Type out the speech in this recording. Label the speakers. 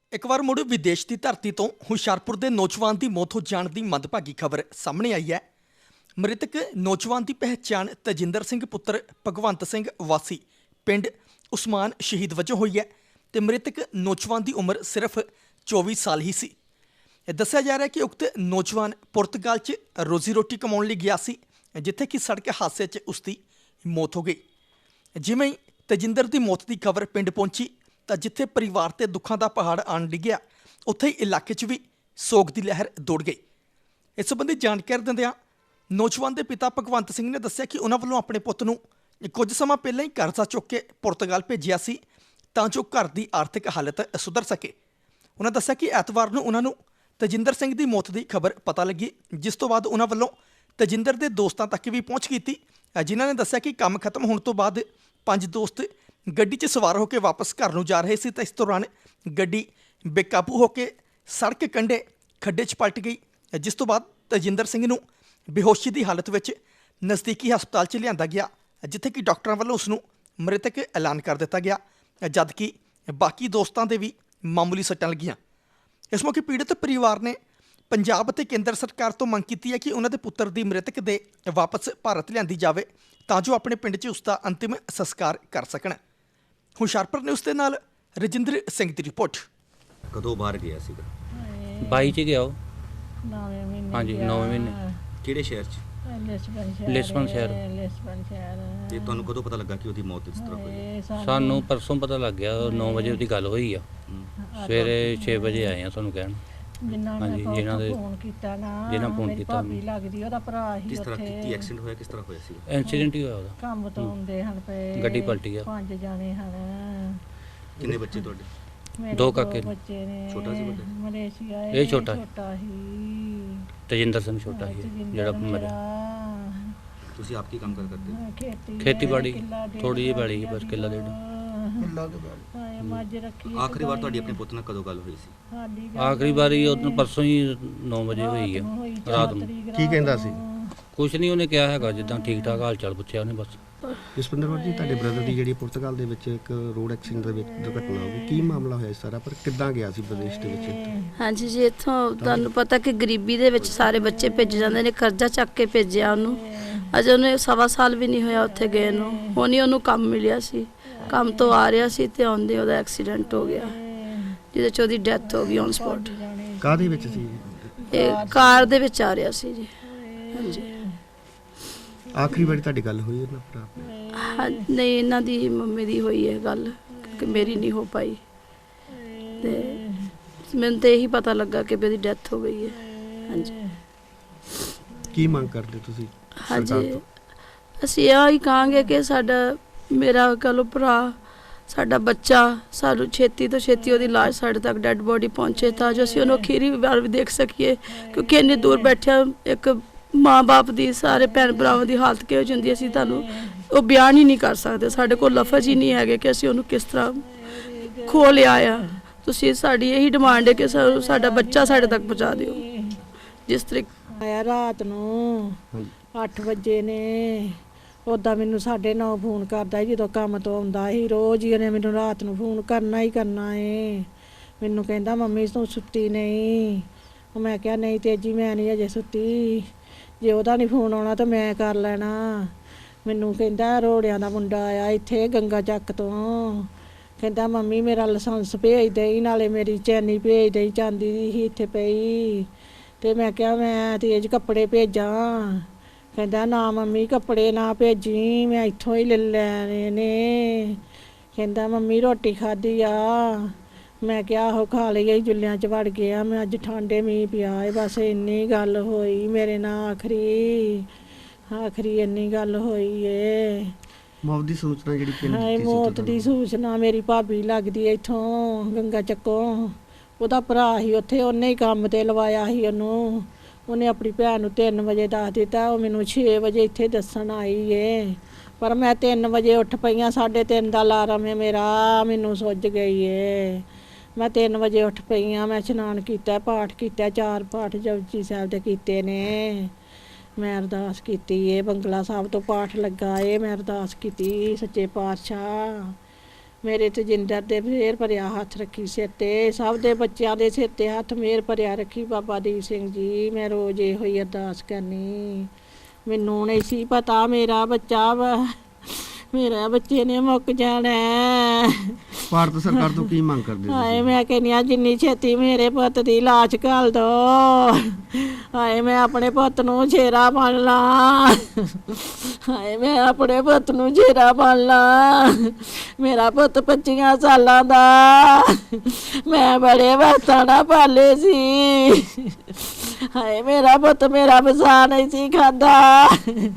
Speaker 1: ਇੱਕ ਵਾਰ ਮੁੜ ਵਿਦੇਸ਼ ਦੀ ਧਰਤੀ ਤੋਂ ਹੁਸ਼ਿਆਰਪੁਰ ਦੇ ਨੌਜਵਾਨ ਦੀ ਮੌਤ ਹੋ ਜਾਣ ਦੀ ਮੰਦਭਾਗੀ ਖਬਰ ਸਾਹਮਣੇ ਆਈ ਹੈ। ਮ੍ਰਿਤਕ ਨੌਜਵਾਨ ਦੀ ਪਹਿਚਾਣ ਤਜਿੰਦਰ ਸਿੰਘ ਪੁੱਤਰ ਭਗਵੰਤ ਸਿੰਘ ਵਾਸੀ ਪਿੰਡ ਉਸਮਾਨ ਸ਼ਹੀਦ ਵਜੋਂ ਹੋਈ ਹੈ ਤੇ ਮ੍ਰਿਤਕ ਨੌਜਵਾਨ ਦੀ ਉਮਰ ਸਿਰਫ 24 ਸਾਲ ਹੀ ਸੀ। ਇਹ ਦੱਸਿਆ ਜਾ ਰਿਹਾ ਹੈ ਕਿ ਉਕਤ ਨੌਜਵਾਨ ਪੁਰਤਗਾਲ 'ਚ ਰੋਜ਼ੀ ਰੋਟੀ ਕਮਾਉਣ ਲਈ ਗਿਆ ਸੀ, ਜਿੱਥੇ ਕਿ ਸੜਕ ਹਾਦਸੇ 'ਚ ਉਸ ਦੀ ਮੌਤ ਹੋ ਗਈ। ਜਿਵੇਂ ਹੀ ਤਜਿੰਦਰ ਦੀ ਮੌਤ ਦੀ ਖਬਰ ਪਿੰਡ ਪਹੁੰਚੀ ਤਾਂ ਜਿੱਥੇ ਪਰਿਵਾਰ ਤੇ ਦੁੱਖਾਂ ਦਾ ਪਹਾੜ ਆਣ ਡਿੱਗਿਆ, ਉੱਥੇ ਹੀ ਇਲਾਕੇ 'ਚ ਵੀ ਸੋਗ ਦੀ ਲਹਿਰ ਦੌੜ ਗਈ। ਇਸ ਸੰਬੰਧੀ ਜਾਣਕਾਰੀ ਦਿੰਦਿਆਂ ਨੌਜਵਾਨ ਦੇ ਪਿਤਾ ਭਗਵੰਤ ਸਿੰਘ ਨੇ ਦੱਸਿਆ ਕਿ ਉਹਨਾਂ ਵੱਲੋਂ ਆਪਣੇ ਪੁੱਤ ਨੂੰ ਕੁਝ ਸਮਾਂ ਪਹਿਲਾਂ ਹੀ ਕਰਜ਼ਾ ਚੁੱਕ ਕੇ ਪੁਰਤਗਾਲ ਭੇਜਿਆ ਸੀ ਤਾਂ ਜੋ ਘਰ ਦੀ ਆਰਥਿਕ ਹਾਲਤ ਸੁਧਰ ਸਕੇ। ਉਹਨਾਂ ਦੱਸਿਆ ਕਿ ਐਤਵਾਰ ਨੂੰ ਉਹਨਾਂ ਨੂੰ ਤਜਿੰਦਰ ਸਿੰਘ ਦੀ ਮੌਤ ਦੀ ਖਬਰ ਪਤਾ ਲੱਗੀ, ਜਿਸ ਤੋਂ ਬਾਅਦ ਉਹਨਾਂ ਵੱਲੋਂ ਤਜਿੰਦਰ ਦੇ ਦੋਸਤਾਂ ਤੱਕ ਵੀ ਪਹੁੰਚ ਕੀਤੀ, ਜਿਨ੍ਹਾਂ ਨੇ ਦੱਸਿਆ ਕਿ ਕੰਮ ਖਤਮ ਹੋਣ ਤੋਂ ਬਾਅਦ 5 ਦੋਸਤ ਗੱਡੀ 'ਚ ਸਵਾਰ ਹੋ ਕੇ ਵਾਪਸ ਘਰ ਨੂੰ ਜਾ ਰਹੇ ਸੀ ਤਾਂ ਇਸ ਦੌਰਾਨ ਗੱਡੀ ਬੇਕਾਬੂ ਹੋ ਕੇ ਸੜਕ ਕੰਢੇ ਖੱਡੇ 'ਚ ਪਲਟ ਗਈ, ਜਿਸ ਤੋਂ ਬਾਅਦ ਤਜਿੰਦਰ ਸਿੰਘ ਨੂੰ ਬੇਹੋਸ਼ੀ ਦੀ ਹਾਲਤ ਵਿੱਚ ਨਜ਼ਦੀਕੀ ਹਸਪਤਾਲ 'ਚ ਲਿਆਂਦਾ ਗਿਆ, ਜਿੱਥੇ ਕਿ ਡਾਕਟਰਾਂ ਵੱਲੋਂ ਉਸ ਨੂੰ ਮ੍ਰਿਤਕ ਐਲਾਨ ਕਰ ਦਿੱਤਾ ਗਿਆ, ਜਦਕਿ ਬਾਕੀ ਦੋਸਤਾਂ ਦੇ ਵੀ ਮਾਮੂਲੀ ਸੱਟਾਂ ਲੱਗੀਆਂ। ਇਸ ਮੌਕੇ ਪੀੜਤ ਪਰਿਵਾਰ ਨੇ ਪੰਜਾਬ ਅਤੇ ਕੇਂਦਰ ਸਰਕਾਰ ਤੋਂ ਮੰਗ ਕੀਤੀ ਹੈ ਕਿ ਉਹਨਾਂ ਦੇ ਪੁੱਤਰ ਦੀ ਮ੍ਰਿਤਕ ਦੇ ਵਾਪਸ ਭਾਰਤ ਲਿਆਂਦੀ ਜਾਵੇ ਤਾਂ ਜੋ ਆਪਣੇ ਪਿੰਡ 'ਚ ਉਸ ਦਾ ਅੰਤਿਮ ਸੰਸਕਾਰ ਕਰ ਸਕਣ। ਹੁਸ਼ਿਆਰਪੁਰ ਨਿਊਜ਼ ਦੇ ਨਾਲ ਰਜਿੰਦਰ ਸਿੰਘ ਦੀ ਰਿਪੋਰਟ।
Speaker 2: ਕਦੋਂ ਬਾਹਰ ਗਿਆ ਸੀਗਾ?
Speaker 3: 22 ਚ ਗਿਆ ਉਹ।
Speaker 4: 9ਵੇਂ ਮਹੀਨੇ
Speaker 3: ਹਾਂਜੀ,
Speaker 4: ਗਿਆ।
Speaker 3: 9ਵੇਂ ਮਹੀਨੇ।
Speaker 2: ਕਿਹੜੇ ਸ਼ਹਿਰ 'ਚ?
Speaker 4: ਲਿਸਬਨ ਸ਼ਹਿਰ।
Speaker 2: ਤੇ ਤੁਹਾਨੂੰ ਕਦੋਂ ਪਤਾ ਲੱਗਾ ਕਿ ਉਹਦੀ ਮੌਤ ਇਸ ਤਰ੍ਹਾਂ ਹੋਈ?
Speaker 3: ਸਾਨੂੰ ਪਰਸੋਂ ਪਤਾ ਲੱਗ ਗਿਆ, 9 ਵਜੇ ਉਹਦੀ ਗੱਲ ਹੋਈ ਆ। ਸਵੇਰੇ 6 ਵਜੇ ਆਏ ਆ ਤੁਹਾਨੂੰ ਕਹਿਣ। ਹਾਂਜੀ, ਜਿਨ੍ਹਾਂ ਦੇ
Speaker 4: ਫੋਨ ਕੀਤਾ ਨਾ,
Speaker 3: ਜਿਹਨਾਂ phone
Speaker 4: ਮੇਰੀ
Speaker 3: ਕੀਤਾ।
Speaker 4: ਭਾਬੀ ਲੱਗਦੀ, ਉਹਦਾ ਭਰਾ ਹੀ
Speaker 2: ਕਿਸ ਤਰ੍ਹਾਂ
Speaker 4: ਉੱਥੇ
Speaker 2: ਕੀ ਐਕਸੀਡੈਂਟ ਹੋਇਆ? ਕਿਸ ਤਰ੍ਹਾਂ ਹੋਇਆ ਸੀਗਾ?
Speaker 3: ਐਕਸੀਡੈਂਟ ਹੀ ਹੋਇਆ ਉਹਦਾ।
Speaker 4: ਕੰਮ ਤੋਂ ਆਉਂਦੇ ਹਨ ਪਏ,
Speaker 3: ਗੱਡੀ ਪਲਟੀ ਆ।
Speaker 4: 5 ਜਾਣੇ ਹਨ।
Speaker 2: ਕਿੰਨੇ ਬੱਚੇ ਤੁਹਾਡੇ?
Speaker 4: ਮੇਰੇ
Speaker 3: 2 ਕਾਕੇ ਨੇ।
Speaker 4: ਬੱਚੇ ਨੇ।
Speaker 2: ਛੋਟਾ ਸੀ ਵੱਡਾ?
Speaker 4: ਮਲੇਸ਼ੀਆ
Speaker 3: ਇਹ ਛੋਟਾ ਸੀ।
Speaker 4: ਹੀ
Speaker 3: ਤਜਿੰਦਰ ਸਿੰਘ ਛੋਟਾ ਸੀ
Speaker 4: ਤਜਿੰਦਰ
Speaker 3: ਜਿਹੜਾ
Speaker 4: ਮੇਰਾ।
Speaker 3: ਮਰਿਆ।
Speaker 2: ਤੁਸੀਂ ਆਪ ਕੀ ਕੰਮ ਕਰਦੇ ਹੋ?
Speaker 3: ਖੇਤੀਬਾੜੀ,
Speaker 4: ਕਿੱਲਾ ਡੇਢ
Speaker 3: ਥੋੜ੍ਹੀ ਜਿਹੀ ਪੈਲੀ ਸੀ, ਬਸ ਕਿੱਲਾ ਡੇਢ।
Speaker 4: ਹਾਏ, ਮੱਝ ਰੱਖੀ
Speaker 2: ਆਖਰੀ ਵਾਰ ਤੁਹਾਡੀ ਆਪਣੇ ਪੁੱਤ ਨਾਲ ਕਦੋਂ ਗੱਲ ਹੋਈ ਸੀ?
Speaker 4: ਸਾਡੀ
Speaker 3: ਆਖਰੀ ਵਾਰੀ ਉਹਨੂੰ ਪਰਸੋਂ ਹੀ 9 ਵਜੇ ਹੋਈ ਆ ਰਾਤ ਨੂੰ।
Speaker 5: ਕੀ ਕਹਿੰਦਾ ਸੀ?
Speaker 3: ਕੁਛ ਨਹੀਂ ਉਹਨੇ ਕਿਹਾ ਹੈਗਾ, ਜਿੱਦਾਂ ਠੀਕ ਠਾਕ ਹਾਲ ਚਾਲ ਪੁੱਛਿਆ ਉਹਨੇ ਬਸ।
Speaker 5: ਜਸਪਿੰਦਰ ਕੌਰ ਜੀ, ਤੁਹਾਡੇ ਬ੍ਰਦਰ ਦੀ ਜਿਹੜੀ ਪੁਰਤਗਾਲ ਦੇ ਵਿੱਚ ਇੱਕ ਰੋਡ ਐਕਸੀਡੈਂਟ ਦੇ ਵਿੱਚ ਦੁਰਘਟਨਾ ਹੋ ਗਈ, ਕੀ ਮਾਮਲਾ ਹੋਇਆ ਇਸ ਸਾਰਾ, ਪਰ ਕਿੱਦਾਂ ਗਿਆ ਸੀ ਵਿਦੇਸ਼ ਦੇ ਵਿੱਚ?
Speaker 6: ਹਾਂਜੀ ਜੀ, ਇੱਥੋਂ ਤੁਹਾਨੂੰ ਪਤਾ ਕਿ ਗਰੀਬੀ ਦੇ ਵਿੱਚ ਸਾਰੇ ਬੱਚੇ ਭੇਜੇ ਜਾਂਦੇ ਨੇ, ਕਰਜ਼ਾ ਚੱਕ ਕੇ ਭੇਜਿਆ ਉਹਨੂੰ। ਅਜੇ ਉਹਨੇ 1.25 ਸਾਲ ਵੀ ਨਹੀਂ ਹੋਇਆ ਉੱਥੇ ਗਏ ਨੂੰ। ਹੁਣ ਹੀ ਉਹਨੂੰ ਕੰਮ ਮਿਲਿਆ ਸੀ, ਕੰਮ ਤੋਂ ਆ ਰਿਹਾ ਸੀ ਤੇ ਆਉਂਦੇ ਉਹਦਾ ਐਕਸੀਡੈਂਟ ਹੋ ਗਿਆ, ਜਿਹਦੇ 'ਚ ਉਹਦੀ ਡੈਥ ਹੋ ਗਈ ਔਨ ਸਪੌਟ।
Speaker 5: ਕਾਹਦੇ ਵਿੱਚ ਸੀ?
Speaker 6: ਇਹ ਕਾਰ ਦੇ ਵਿੱਚ ਆ ਰਿਹਾ ਸੀ ਜੀ। ਹਾਂਜੀ।
Speaker 5: ਆਖਰੀ ਵਾਰੀ ਤੁਹਾਡੀ ਗੱਲ ਹੋਈ ਉਹਨਾਂ ਭਰਾ ਨਾਲ?
Speaker 6: ਹਾਂ, ਨਹੀਂ, ਇਹਨਾਂ ਦੀ ਮੰਮੀ ਦੀ ਹੋਈ ਹੈ ਗੱਲ, ਕਿ ਮੇਰੀ ਨਹੀਂ ਹੋ ਪਾਈ। ਤੇ ਮੈਨੂੰ ਤਾਂ ਇਹੀ ਪਤਾ ਲੱਗਾ ਕਿ ਉਹਦੀ ਡੈਥ ਹੋ ਗਈ ਹੈ। ਹਾਂਜੀ।
Speaker 5: ਕੀ ਮੰਗ ਕਰਦੇ ਤੁਸੀਂ ਸਰਕਾਰ
Speaker 6: ਹਾਂਜੀ,
Speaker 5: ਤੋਂ?
Speaker 6: ਅਸੀਂ ਇਹ ਹੀ ਕਹਾਂਗੇ ਕਿ ਮੇਰਾ ਕਹੋ ਭਰਾ, ਸਾਡਾ ਬੱਚਾ, ਸਾਨੂੰ ਛੇਤੀ ਤੋਂ ਛੇਤੀ ਉਹਦੀ ਲਾਸ਼ ਸਾਡੇ ਤੱਕ ਡੈੱਡ ਬੋਡੀ ਪਹੁੰਚੇ ਤਾਂ ਜੋ ਅਸੀਂ ਉਹਨੂੰ ਅਖੀਰੀ ਵਾਰ ਵੀ ਦੇਖ ਸਕੀਏ, ਕਿਉਂਕਿ ਇੰਨੀ ਦੂਰ ਬੈਠਿਆ ਇੱਕ ਮਾਂ-ਬਾਪ ਦੀ, ਸਾਰੇ ਭੈਣ ਭਰਾਵਾਂ ਦੀ ਹਾਲਤ ਕਿਹੋ ਜਿਹੀ ਹੁੰਦੀ, ਅਸੀਂ ਤੁਹਾਨੂੰ ਉਹ ਬਿਆਨ ਹੀ ਨਹੀਂ ਕਰ ਸਕਦੇ। ਸਾਡੇ ਕੋਲ ਲਫ਼ਜ਼ ਹੀ ਨਹੀਂ ਹੈਗੇ ਕਿ ਅਸੀਂ ਉਹਨੂੰ ਕਿਸ ਤਰ੍ਹਾਂ ਖੋ ਲਿਆ ਆ। ਤੁਸੀਂ ਸਾਡੀ ਇਹੀ ਡਿਮਾਂਡ ਹੈ ਕਿ ਸਾਡਾ ਬੱਚਾ ਸਾਡੇ ਤੱਕ ਪਹੁੰਚਾ ਦਿਓ। ਜਿਸ ਤਰੀਕੇ
Speaker 4: ਆਇਆ ਰਾਤ ਨੂੰ 8 ਵਜੇ ਨੇ, ਉੱਦਾਂ ਮੈਨੂੰ 9:30 ਫੋਨ ਕਰਦਾ ਸੀ ਜਦੋਂ ਕੰਮ ਤੋਂ ਆਉਂਦਾ ਸੀ। ਰੋਜ਼ ਹੀ ਉਹਨੇ ਮੈਨੂੰ ਰਾਤ ਨੂੰ ਫੋਨ ਕਰਨਾ ਹੀ ਕਰਨਾ ਏ। ਮੈਨੂੰ ਕਹਿੰਦਾ, ਮੰਮੀ ਤੂੰ ਸੁੱਤੀ ਨਹੀਂ? ਮੈਂ ਕਿਹਾ, ਨਹੀਂ ਤੇਜੀ, ਮੈਂ ਨਹੀਂ ਅਜੇ ਸੁੱਤੀ, ਜੇ ਉਹਦਾ ਨਹੀਂ ਫੋਨ ਆਉਣਾ ਤਾਂ ਮੈਂ ਕਰ ਲੈਣਾ। ਮੈਨੂੰ ਕਹਿੰਦਾ, ਰੋੜਿਆਂ ਦਾ ਮੁੰਡਾ ਆਇਆ ਇੱਥੇ ਗੰਗਾ ਚੱਕ ਤੋਂ, ਕਹਿੰਦਾ ਮੰਮੀ ਮੇਰਾ ਲਾਇਸੈਂਸ ਭੇਜ ਦੇਈ, ਨਾਲੇ ਮੇਰੀ ਚੈਨੀ ਭੇਜ ਦੇਈ, ਚਾਂਦੀ ਦੀ ਸੀ ਇੱਥੇ ਪਈ। ਤੇ ਮੈਂ ਕਿਹਾ, ਮੈਂ ਤੇਜ ਕੱਪੜੇ ਭੇਜਾਂ? ਕਹਿੰਦਾ, ਨਾ ਮੰਮੀ ਕੱਪੜੇ ਨਾ ਭੇਜੀ, ਮੈਂ ਇੱਥੋਂ ਹੀ ਲੈ ਲੈਣੇ ਨੇ। ਕਹਿੰਦਾ, ਮੰਮੀ ਰੋਟੀ ਖਾਧੀ ਆ? ਮੈਂ ਕਿਹਾ, ਆਹੋ ਖਾ ਲਈ, ਜੁੱਲਿਆਂ 'ਚ ਵੜ ਗਿਆ ਮੈਂ, ਅੱਜ ਠੰਡੇ ਮੀਂਹ ਪਿਆ ਏ। ਬਸ ਇੰਨੀ ਗੱਲ ਹੋਈ ਮੇਰੇ ਨਾਲ, ਆਖਰੀ ਇੰਨੀ ਗੱਲ ਹੋਈ ਏ।
Speaker 5: ਮੌਤ ਦੀ ਸੂਚਨਾ ਜਿਹੜੀ ਪਿੰਡ
Speaker 4: ਹਾਏ,
Speaker 5: ਦਿੱਤੀ ਸੀ
Speaker 4: ਮੌਤ
Speaker 5: ਤੁਹਾਨੂੰ?
Speaker 4: ਦੀ ਸੂਚਨਾ ਮੇਰੀ ਭਾਬੀ ਲੱਗਦੀ ਐ ਇੱਥੋਂ ਗੰਗਾ ਚੱਕੋਂ, ਉਹਦਾ ਭਰਾ ਸੀ ਉੱਥੇ, ਉਹਨੇ ਹੀ ਕੰਮ ਤੇ ਲਵਾਇਆ ਸੀ ਉਹਨੂੰ। ਉਹਨੇ ਆਪਣੀ ਭੈਣ ਨੂੰ 3 ਵਜੇ ਦੱਸ ਦਿੱਤਾ, ਉਹ ਮੈਨੂੰ 6 ਵਜੇ ਇੱਥੇ ਦੱਸਣ ਆਈ ਏ। ਪਰ ਮੈਂ 3 ਵਜੇ ਉੱਠ ਪਈਆਂ, 3:30 ਦਾ ਅਲਾਰਮ ਹੈ ਮੇਰਾ, ਮੈਨੂੰ ਸੁੱਜ ਗਈ ਏ। ਮੈਂ 3 ਵਜੇ ਉੱਠ ਪਈਆਂ, ਮੈਂ ਇਸ਼ਨਾਨ ਕੀਤਾ, ਪਾਠ ਕੀਤਾ, 4 ਪਾਠ ਜਪਜੀ ਸਾਹਿਬ ਦੇ ਕੀਤੇ ਨੇ। ਮੈਂ ਅਰਦਾਸ ਕੀਤੀ ਏ, ਬੰਗਲਾ ਸਾਹਿਬ ਤੋਂ ਪਾਠ ਲੱਗਾ ਏ, ਮੈਂ ਅਰਦਾਸ ਕੀਤੀ, ਸੱਚੇ ਪਾਤਸ਼ਾਹ ਮੇਰੇ ਤਜਿੰਦਰ ਦੇ ਫੇਰ ਭਰਿਆ ਹੱਥ ਰੱਖੀ ਸਿਰ ਤੇ, ਸਭ ਦੇ ਬੱਚਿਆਂ ਦੇ ਸਿਰ ਤੇ ਹੱਥ ਮੇਰ ਭਰਿਆ ਰੱਖੀ ਬਾਬਾ ਦੀਪ ਸਿੰਘ ਜੀ। ਮੈਂ ਰੋਜ਼ ਇਹੋ ਹੀ ਅਰਦਾਸ ਕਰਨੀ। ਮੈਨੂੰ ਨਹੀਂ ਸੀ ਪਤਾ ਮੇਰਾ ਬੱਚਾ ਵਾ, ਮੇਰਾ ਬੱਚੇ ਨੇ ਮੁੱਕ ਜਾਣਾ।
Speaker 5: ਭਾਰਤ ਸਰਕਾਰ ਤੋਂ ਕੀ ਮੰਗ ਕਰਦੇ
Speaker 4: ਹਾਏ
Speaker 5: ਤੁਸੀਂ?
Speaker 4: ਮੈਂ ਕਹਿੰਦੀ ਹਾਂ ਜਿੰਨੀ ਛੇਤੀ ਮੇਰੇ ਪੁੱਤ ਦੀ ਲਾਸ਼ ਘੱਲ ਦੋ। ਹਾਏ ਮੈਂ ਆਪਣੇ ਪੁੱਤ ਨੂੰ ਛੇਰਾ ਬਣ ਲਾਂ। ਹਾਏ ਮੈਂ ਆਪਣੇ ਪੁੱਤ ਨੂੰ ਛੇਰਾ ਬਣ ਲਾਂ। ਮੇਰਾ ਪੁੱਤ 25 ਸਾਲਾਂ ਦਾ, ਮੈਂ ਬੜੇ ਵਾਤਾਂ ਨਾਲ ਪਾਲੇ ਸੀ। ਹਾਏ ਮੇਰਾ ਪੁੱਤ ਮੇਰਾ ਵਸਾ ਨਹੀਂ ਸੀ ਖਾਂਦਾ।